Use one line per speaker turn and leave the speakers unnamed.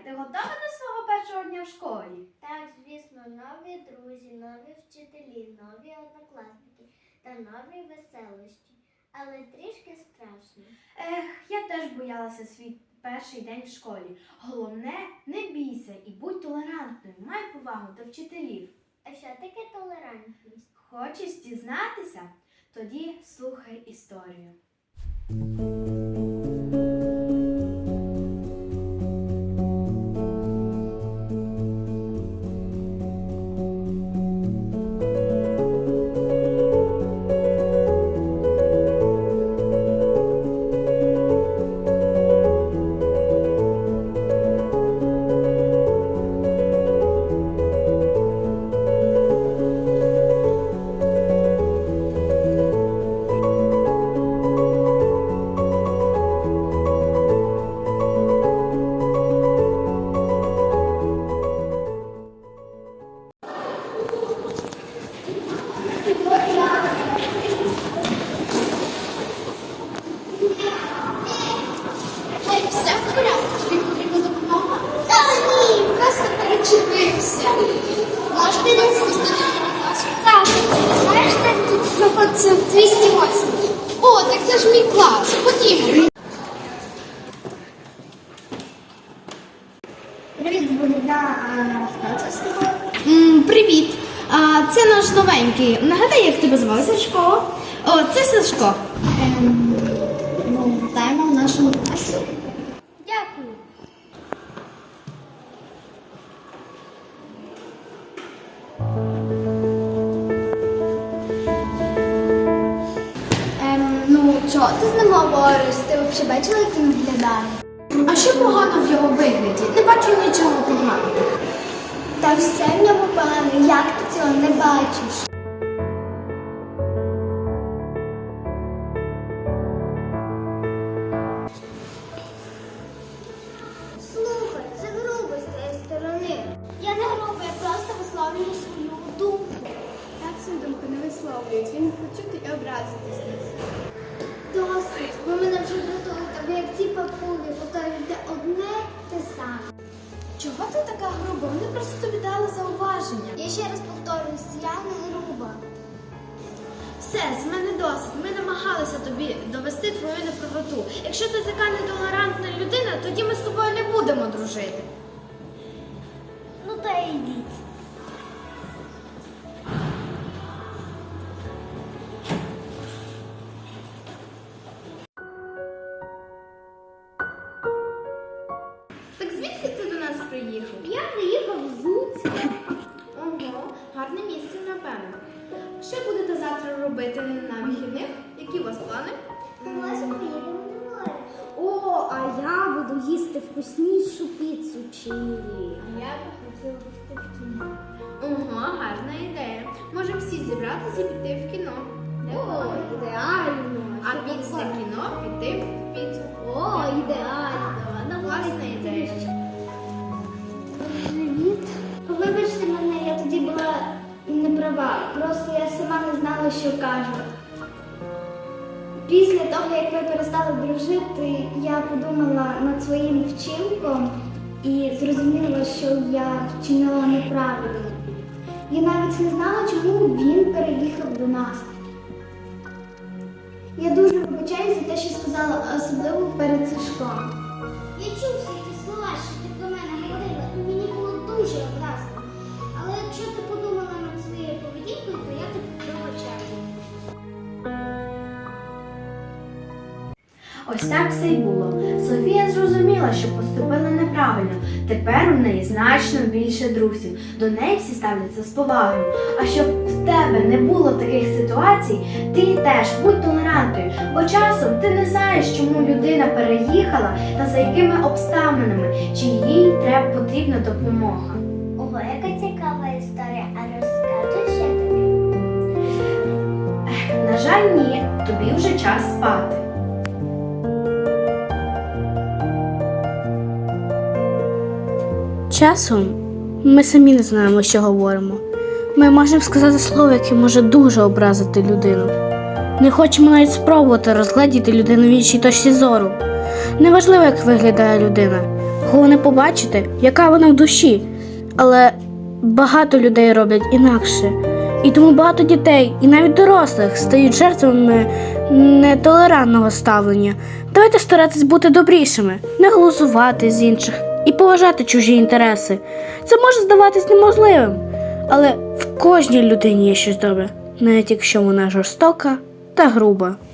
ти готова до свого першого дня в школі?
Так, звісно, нові друзі, нові вчителі, нові однокласники та нові веселощі. Але трішки страшно.
Я теж боялася свій перший день в школі. Головне, не бійся і будь толерантною, май повагу до вчителів.
А що таке толерантність?
Хочеш дізнатися? Тоді слухай історію.
Все в порядку, тобі потрібна допомога? Та ні, просто перечепився. Можете не спустити на класу? Так, знаєш, так тут знаходиться 208. О, так це ж мій клас, ходімо.
Привіт, Богдана. Хто це з тобою?
Привіт! Це наш новенький. Нагадай, як тебе звали, Сашко? О, це Сашко.
Вітаємо в нашому класі.
Дякую.
Чого ти з ним говориш? Ти взагалі бачила, як він виглядає?
А що погано в його вигляді? Не бачу нічого поганого.
Та все в ньому погано, як ти цього не бачиш? Слухай, це грубо з твоєї сторони. Я не грубо, я просто висловлюю свою думку.
Так свою думку не висловлюють, він почути і образитись на це.
Досить, ви мене вже дратуєте, ви як ці папуги повторюєте одне те саме.
Чого ти така груба? Вони просто тобі дали зауваження.
Я ще раз повторююсь, я не груба.
Все, з мене досить. Ми намагалися тобі довести твою неправоту. Якщо ти така нетолерантна людина, тоді ми з тобою не будемо дружити.
Ну та йдіть.
Так звідки ти до нас приїхав?
Я приїхав з Луцька.
Ого, гарне місце, напевно. Що будете завтра робити на вихідних? Які у вас плани?
Ми можемо поїдемо на море.
О, а я буду їсти вкуснішу піцу чилі.
А я би хотіла бути в кіно.
Ого, гарна ідея. Можемо всі зібратися і піти в кіно.
О, ідеально.
А після кіно піти в піцу.
О, ідеально.
Класна ідея.
Привіт. Вибачте мене, я тоді була не права. Просто я сама не знала, що кажу. Після того, як ми перестали дружити, я подумала над своїм вчинком і зрозуміла, що я вчинила неправильно. Я навіть не знала, чому він переїхав до нас. Я дуже вибачаюсь за те, що сказала, особливо перед Сашком. Я чув всі ті слова, що ти про мене говорила, і мені було дуже образно. Але якщо ти подумала над своєю поведінкою, то я тобі пробачаю.
Ось так все й було. Софія зрозуміла, що поступила неправильно. Тепер у неї значно більше друзів. До неї всі ставляться з повагою. А щоб в тебе не було таких ситуацій, ти теж будь толерантною. Бо часом ти не знаєш, чому людина переїхала та за якими обставинами, чи їй потрібна допомога.
Ого, яка цікава історія, а розкажеш ще тобі?
На жаль, ні, тобі вже час спати.
Часом ми самі не знаємо, що говоримо. Ми можемо сказати слово, яке може дуже образити людину. Не хочемо навіть спробувати розгледіти людину в іншій точці зору. Неважливо, як виглядає людина. головне побачити, яка вона в душі. Але багато людей роблять інакше. І тому багато дітей, і навіть дорослих, стають жертвами нетолерантного ставлення. Давайте старатись бути добрішими, не глузувати з інших і поважати чужі інтереси. Це може здаватись неможливим, але в кожній людині є щось добре, навіть якщо вона жорстока та груба.